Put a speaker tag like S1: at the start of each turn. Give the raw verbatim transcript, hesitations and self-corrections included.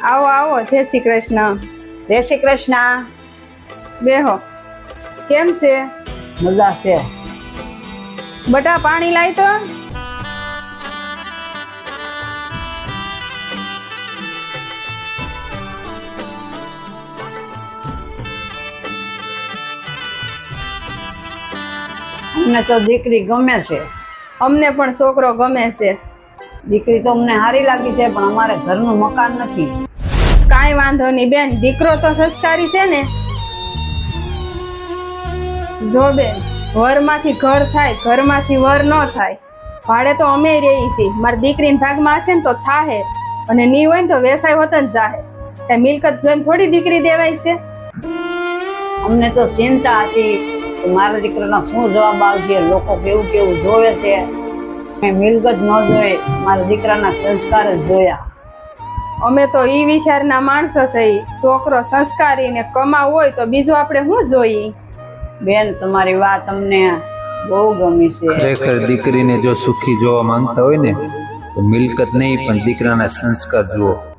S1: આવો આવો, જય શ્રી કૃષ્ણ.
S2: જય શ્રી કૃષ્ણ.
S1: બેહો. કેમ છે?
S2: મજા છે.
S1: બટા પાણી લાય તો.
S2: અમને તો દીકરી ગમે છે.
S1: અમને પણ છોકરો ગમે છે.
S2: દીકરી તો અમને સારી લાગી છે, પણ અમારે ઘરનું મકાન નથી.
S1: કાંઈ વાંધો નહીં બેન, દીકરો તો સંસ્કારી છે ને. જો બેન, વરમાંથી ઘર થાય, ઘરમાંથી વર ન થાય. ભાડે તો અમે રહી છીએ. મારી દીકરીના ભાગમાં હશે ને તો થાહે, અને નહીં હોય ને તો વેસાય હોત જ જાહે. એ મિલકત જોઈને થોડી દીકરી દેવાય છે.
S2: અમને તો ચિંતા હતી કે મારા દીકરાનો શું જવાબ આવશે, લોકો કેવું કેવું જોવે છે. મેં મિલકત ન જોઈ, મારા દીકરાના સંસ્કાર જ જોયા.
S1: અમે તો ઈ વિચારના માણસો થઈ. છોકરો સંસ્કારી ને કમાવ હોય તો બીજું આપણે શું જોઈએ?
S2: બેન, તમારી વાત અમને બહુ ગમી છે.
S3: ખરેખર દીકરીને જો સુખી જોવા માંગતા હોય ને તો મિલકત નહીં પણ દીકરાના સંસ્કાર જુઓ.